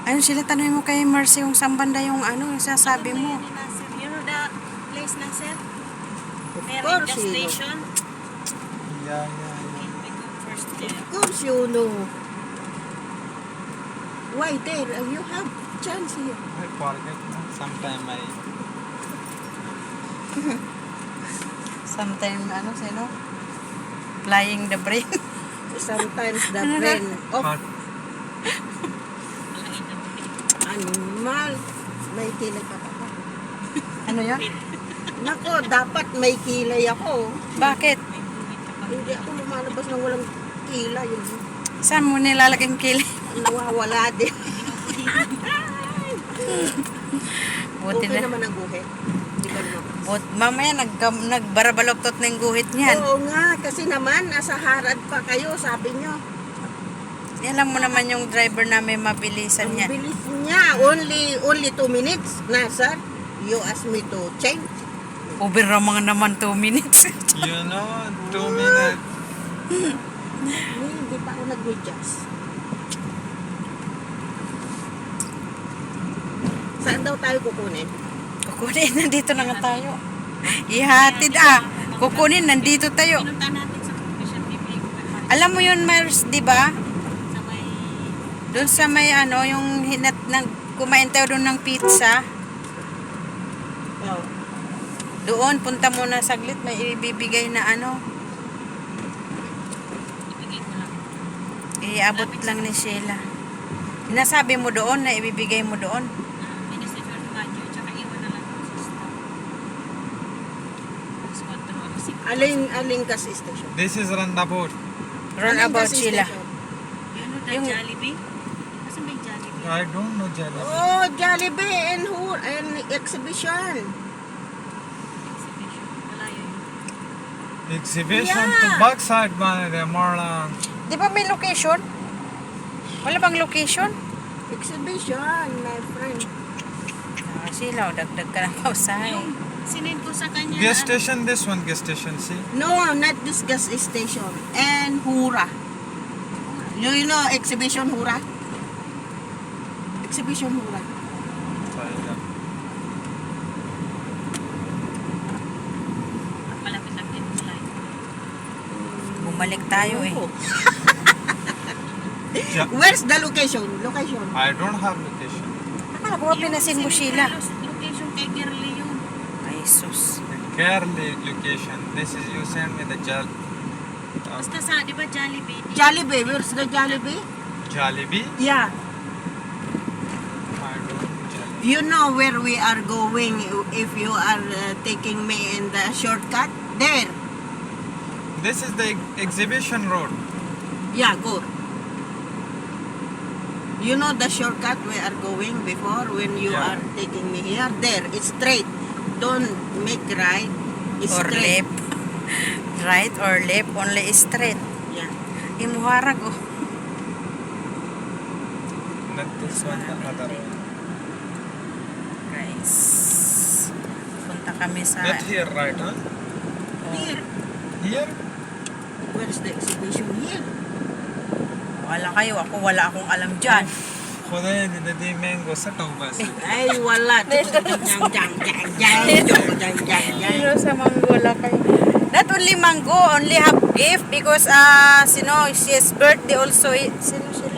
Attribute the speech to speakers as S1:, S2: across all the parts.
S1: Ayun sila, tanongin mo kay Mercy yung saan banda yung ano, yung sasabi mo.
S2: You know the place na, sir?
S3: Of
S2: Meron
S3: course
S2: the
S3: you know.
S2: station.
S4: Yeah.
S2: Okay, we go first there.
S3: Of course you know. Why there? You have chance here.
S4: I forget. Sometime I.
S1: Sometime, ano, sino? Flying the brain.
S3: Sometimes the brain of
S4: Hot.
S3: animal may kilay ka pa.
S1: Ano yun?
S3: Nako, dapat may kilay ako.
S1: Bakit?
S3: Hindi ako lumalabas ng walang kilay. Yun.
S1: Saan mo nilalagay yung kili?
S3: Nawawala din.
S1: Buti
S3: Okay
S1: na.
S3: naman ang guhit. Hindi ka lumabas.
S1: Mamaya nagbarabaloktot na yung guhit niyan.
S3: Oo nga, kasi naman nasa harad pa kayo, sabi nyo.
S1: Alam mo naman yung driver namin mabilisan
S3: Ang
S1: niya.
S3: bilis niya. Only 2 minutes. Na, sir, you ask me to change.
S1: Over mga naman 2 minutes.
S4: You know, 2 minutes.
S3: Hindi pa ako nag-adjust. Saan daw tayo kukunin?
S1: Kukunin, nandito na nga tayo. Ihatid Kukunin, nandito tayo.
S2: Pinunta natin sa Commission Bibig.
S1: Alam mo yun, Mars, di ba?
S2: Sa may...
S1: Doon sa may ano, yung kumain tayo doon ng pizza.
S3: Oh.
S1: Doon, punta muna saglit, may ibibigay na ano.
S2: Ibigay ko lang.
S1: Iabot lang ni Sheila. Nasabi mo doon na ibibigay mo doon.
S2: Minister George Badger, tsaka iwan na lang ako sa staff. Squad control.
S3: Aling gas station.
S4: This is Randabout.
S1: Run
S3: Aling
S1: about
S3: gas
S1: Sheila.
S3: station?
S2: You know the
S1: Yung-
S2: Jollibee? Kasi may Jollibee.
S4: I don't know Jalabi.
S3: Oh, Jollibee and exhibition.
S2: Exhibition. Malayo yun.
S4: Exhibition
S3: Yeah.
S4: to backside man, Marlang.
S1: Di ba may location? Wala bang location?
S3: Exhibition, my friend.
S1: Sheila, dagdag ka ng pausahay.
S2: Yung sinend ko sa kanya
S4: Gas
S2: na
S4: station, this one gas station, see?
S3: No, not this gas station. And Hura. You know exhibition Hura? Exhibition Hura.
S2: malapit lang din malayo.
S1: Bumalik tayo eh.
S3: Oh.
S4: Yeah.
S3: Where's the location? Location.
S4: I don't have location.
S1: Akala ko ba pinasin mo, Sheila?
S2: Location kay Girly yun.
S1: Ay, sus.
S4: The Kerala location. This is you send me the
S2: Basta sa, di ba Jollibee?
S3: Jollibee. Where's the Jollibee?
S4: Jollibee.
S3: Yeah.
S4: I don't know Jollibee.
S3: You know where we are going if you are taking me in the shortcut? There.
S4: This is the exhibition road.
S3: Yeah, go. You know the shortcut we are going before when you
S4: Yeah.
S3: are taking me here? There. It's straight. Don't make right. It's
S1: Or
S3: straight.
S1: left. Right or left, only straight.
S3: Yeah.
S1: Imuharag oh.
S4: Not this one, the other one.
S1: Guys. Punta kami sa...
S4: Not here, right, huh?
S3: Here.
S4: Here?
S3: Where's the exhibition here?
S1: Wala kayo, ako wala akong alam dyan.
S4: Khuda hindi mango sa taubas.
S3: Ay, wala.
S1: Pero sa mango lang kayo. Not only mango, only have gift because she's birthday also. Sino siya?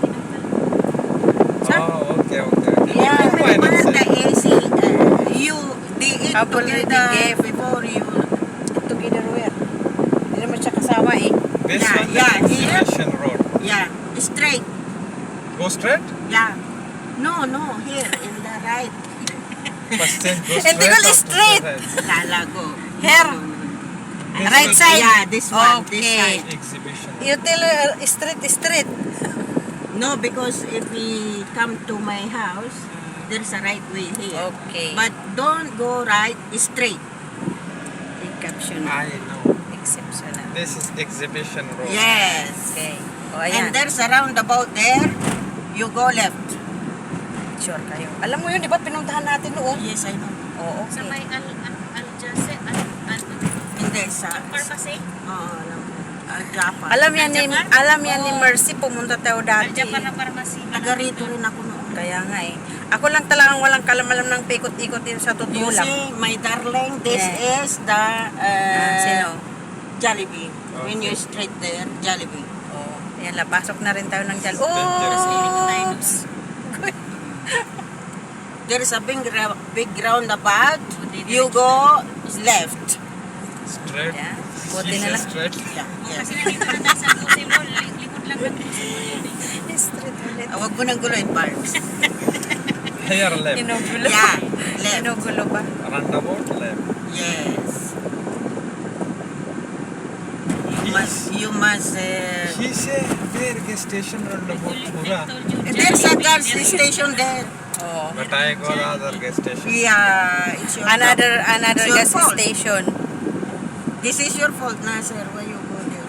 S1: Sa?
S4: Oh, okay.
S1: Yeah.
S4: Why not
S3: Remember the
S4: say?
S3: AC, they eat
S1: Have already
S3: together
S1: gave.
S3: before you.
S1: Together where? Hindi naman siya kasama eh.
S4: This
S3: Yeah,
S4: one
S3: yeah,
S4: is
S3: here.
S4: exhibition road.
S3: Yeah, straight.
S4: Go straight?
S3: Yeah. No, here, in the right.
S4: First thing, go
S1: Hindi
S4: straight.
S1: ko straight.
S3: Kala ko.
S1: Here.
S4: This
S1: Right
S4: one-
S1: side?
S3: Yeah, this one. This
S1: Okay.
S3: side.
S4: Exhibition.
S1: You tell straight.
S3: No, because if we come to my house, there's a right way here.
S1: Okay.
S3: But don't go right, straight.
S1: caption.
S4: I know.
S1: Exceptional.
S4: This is exhibition road.
S3: Yes.
S1: Okay. O,
S3: And
S1: ayan.
S3: there's a roundabout there. You go left.
S1: Sure kayo. Alam mo yun, di ba pinuntahan natin noon?
S3: Yes, I know.
S1: Oo,
S2: Sa
S1: okay.
S2: may Al-Jase,
S3: Hindi, sa...
S2: Pharmacy?
S3: alam mo. Al-Jafar.
S1: Alam yan ni
S2: Al-Japan?
S1: alam yan ni
S2: Oo.
S1: Mercy, pumunta tayo dati.
S2: Al-Japan na pharmacy.
S3: Taga rito rin ako noon.
S1: Kaya nga eh. Ako lang talagang walang kalamalam ng pikot-ikot din sa totoo
S3: You
S1: lang.
S3: see, my darling, this
S1: Yeah.
S3: is the
S1: Sino?
S3: Jollibee. When you straight there, Jollibee.
S1: Oh, yan la, pasok na rin tayo ng jal.
S4: Dangerous.
S1: Oops!
S3: There is a big roundabout. You go left.
S4: Straight.
S1: Yeah.
S4: She
S1: Buti na
S4: says
S1: lang.
S4: straight.
S3: Yeah, yes.
S2: Kasi nandito na tayo sa Lucy Mall. Likod lang ng Lucy Mall yun eh.
S1: Street ulit.
S3: Huwag mo nang guloy, Parks.
S4: Here left.
S1: Inugulo.
S3: Yeah, left.
S1: Inugulo ba?
S4: Roundabout left.
S3: Yes. You must
S4: He say where gas station roundabout pura.
S3: there's a gas station there.
S1: Oh.
S4: But I go the other gas station.
S3: Yeah, it's your
S1: Another
S3: It's your
S1: gas
S3: fault.
S1: station.
S3: This is your fault na, sir. Why you go there?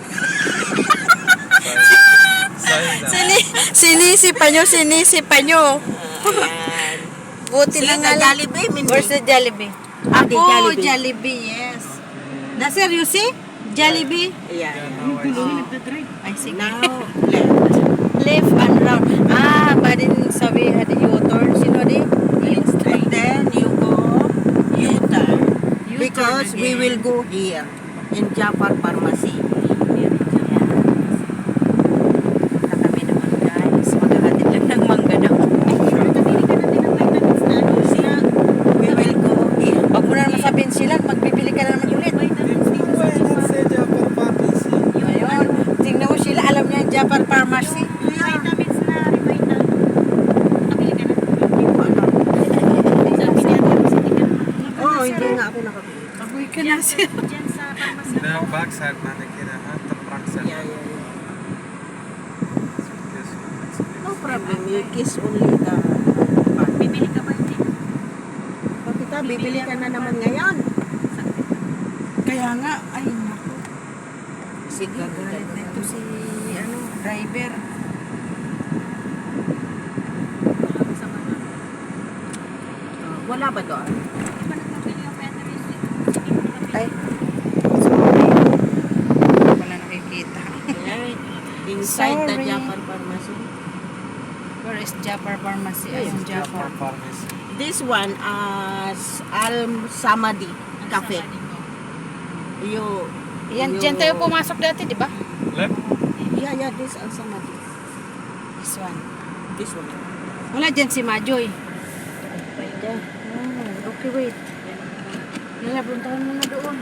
S4: Sign down.
S1: Sinisipa nyo.
S3: Ayan.
S1: Buti
S3: See
S1: na
S3: the
S1: nga lang.
S3: Jollibee, Mindy?
S1: Where's the Jollibee?
S3: Ah, the
S1: Oh,
S3: Jollibee.
S1: Jollibee, yes. Na sir, you see? Jollibee?
S3: Yeah.
S4: Now I see.
S1: Ay, sige.
S3: Now, left.
S1: Left and round. Ah, badin sabi ada U-turn. Sino di?
S3: And then you go U-turn.
S1: U-turn
S3: Because we
S1: again.
S3: will go here in Jafar Pharmacy.
S1: Na kami naman guys. Maghahatid lang ng mangga daw.
S3: See, we will go here.
S1: Wag mo na naman sabihin sila. Magbibili ka na naman ulit.
S4: Why not say Jafar Pharmacy?
S1: Ayun. Tingnan mo sila. Alam niya yung Jafar Pharmacy.
S2: Vitamins na revital. Nakabili ka na.
S3: Hindi ko alam.
S2: Sabi niya, hindi ka na.
S3: Oh, hindi nga ako nakabili.
S1: Agoy ka na sir.
S2: Diyan sa pharmacy.
S4: The back side na nakira ha, the front side.
S3: Yeah, yeah, yeah.
S4: Yes.
S3: No problem. You kiss only the part.
S2: Bibili ka ba hindi?
S3: Bakit bibili ka na naman ngayon?
S1: Kaya nga. Ay, naku.
S3: Sige,
S1: Gagalit na ito si driver.
S2: Sa mga.
S3: Wala ba doon?
S2: Di ba nagpapili ang batteries? Sige, nakabili.
S1: Ay. Sorry. Wala nakikita.
S3: Inside the
S1: Sorry.
S3: Jafar Pharmacy.
S1: Where is Jafar Pharmacy? Ayun, Jafar.
S4: Pharmacy.
S3: This one as Al Samadi Cafe. You
S1: Yan, dyan tayo pumasok dati, di ba?
S4: Left.
S3: Yeah, yeah, this Al Samadi.
S1: This one.
S3: This one.
S1: Wala dyan si Majoy.
S3: There.
S1: Oh, okay, wait. Nila, puntahan mo na doon.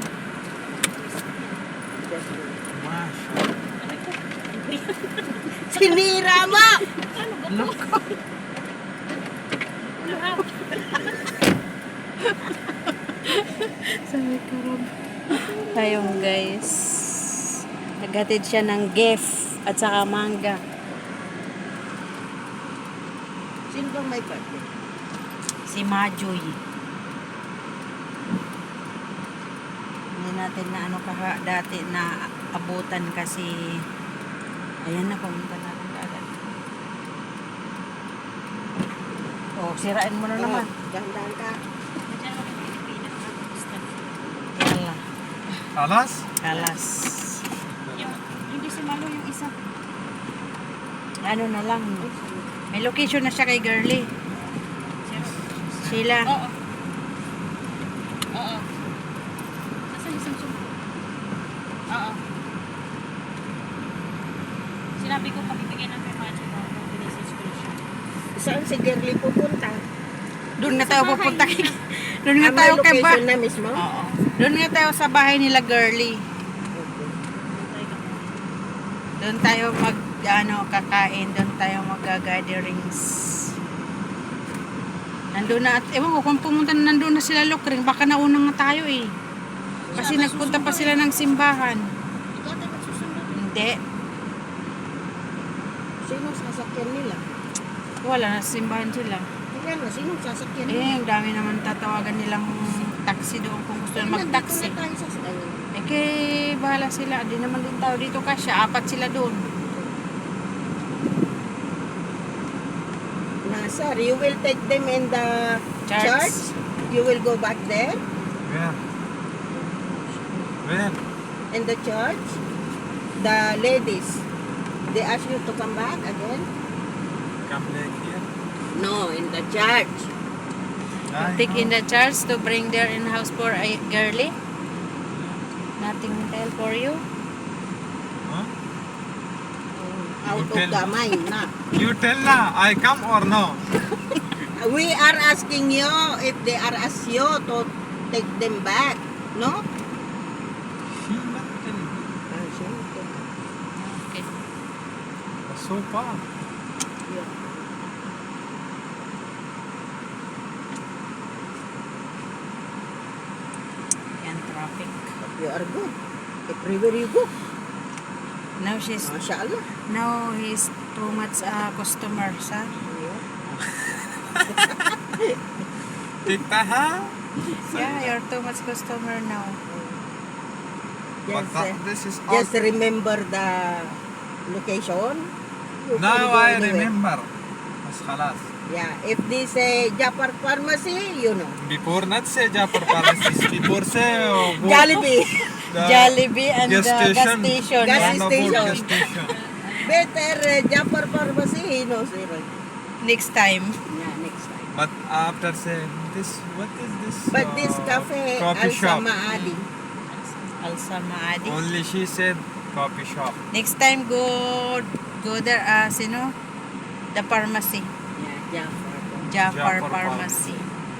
S3: Just wait.
S4: Mashallah.
S3: Sinira mo!
S1: Sabi ko, Rob. Ayun, guys. Naghatid siya ng gift at saka mangga.
S3: Sino bang may birthday?
S1: Si Majoy. Hindi natin na ano kaha dati na abutan kasi ayan na, pumunta na rin agad. Oh, sirain mo na naman.
S3: Dahan-dahan ka.
S2: Diyan ako ng Pilipinas.
S1: Yala.
S4: Alas?
S1: Kalas.
S2: Hindi si Malo yung isa.
S1: Ano na lang. May location na siya kay Girly. Sheila.
S2: Oo. Oo. Nasaan yung Samsung? Oo. Sinabi ko pakibigyan ng kay Macho ko. Binisage ko na siya.
S3: Saan si Girly pupunta?
S1: Doon na tayo pupunta kay... Doon nga
S3: Ang
S1: tayo
S3: may
S1: kay ba?
S3: location na mismo?
S1: Oo. Doon nga tayo sa bahay nila Girly. Doon tayo kakain. Doon tayo mag-gatherings. Nandun na, at ewan ko kung pumunta na nandun na sila Lokring, baka nauna nga tayo eh. Kasi nagpunta pa sila ng simbahan.
S2: Ikaw tayo magsusunod.
S1: Hindi.
S3: Sino sasakyan nila?
S1: Wala na simbahan sila.
S3: Kaya na, sino sasakyan nila?
S1: Eh, ang dami naman tatawagan nilang taxi doon kung gusto na mag-taxi.
S3: Nandito na tayo sa sasakyan.
S1: Eh, kay bahala sila. Di naman din tao dito kasi 4 sila doon.
S3: Sir, you will take them in the church? You will go back there?
S4: Where? Where?
S3: In the church? The ladies, they ask you to come back again?
S4: Come back here.
S3: No, in the church.
S1: Take in the charge to bring their in-house for a girly. Nothing tell for you.
S4: Huh?
S3: Out of
S4: tell
S3: the
S4: me.
S3: mind na.
S4: You tell na, I come or no?
S3: We are asking you if they are ask you to take them back. No?
S4: She not tell me.
S1: Okay.
S4: So far.
S1: Yan, traffic.
S3: You are good. Everywhere you go.
S1: Now she's,
S3: Mashallah.
S1: now he's too much customers, ha?
S4: Tikta ha?
S1: Yeah, you're too much customer now.
S4: But
S3: Just,
S4: this is
S3: just remember the location. You can
S4: now
S3: go
S4: I
S3: anywhere.
S4: remember. Mas khalas.
S3: Yeah, if they say Japar Pharmacy, you know.
S4: Before not say Japar Palace, before say
S3: Jollibee.
S1: Jollibee and the
S4: gas
S1: gas
S4: station.
S1: station.
S3: Gas
S1: yeah.
S3: station.
S4: Gas station.
S3: Better Japar Pharmacy, he knows it.
S1: Next time.
S3: Yeah, next time.
S4: But after say this, what is this?
S3: But this cafe,
S4: coffee shop.
S3: Al Samaadi.
S1: Also, Maadi.
S4: Only she said coffee shop.
S1: Next time, go there, sino? The pharmacy.
S3: Yeah, Jafar.
S1: Jafar
S4: Jafar
S1: Pharmacy.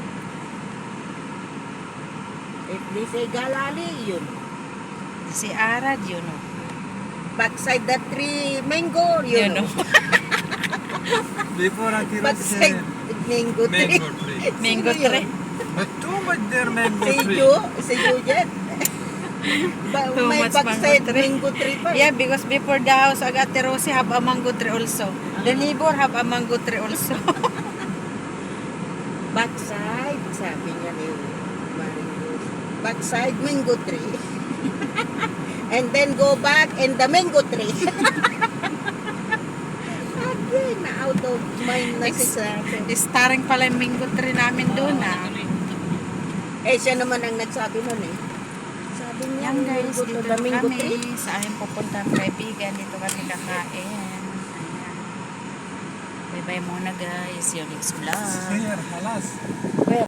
S3: If they say Galali, you know.
S1: Si Arad, you know.
S3: Backside the tree, mango, you, know.
S4: Before Ati Rod
S3: Backside
S4: said
S3: mango tree.
S4: mango tree.
S1: Mango
S3: Sino
S1: tree.
S3: yun?
S4: But too much there mango
S3: Si
S4: tree.
S3: Ju, si Jujet.
S1: Too
S3: May
S1: much
S3: backside
S1: mango tree.
S3: mango tree pa.
S1: Yeah, because before the house of Ate Rosie have a mango tree also. The neighbor have a mango tree also.
S3: Backside, sabi niya ni Maring Rose. Backside mango tree. And then go back and the mango tree. Again, na out of mind na si Sabi.
S1: Starring pala yung mango tree namin doon,
S3: Eh, siya naman ang nagsabi nun eh. Sabi niya,
S1: Yan guys,
S3: go to
S1: dito
S3: the mango
S1: kami
S3: tree.
S1: sa aming pupuntang kaibigan. Dito kami kakain. Ayan. Bye-bye muna guys. Yung next vlog.
S4: Here, halas.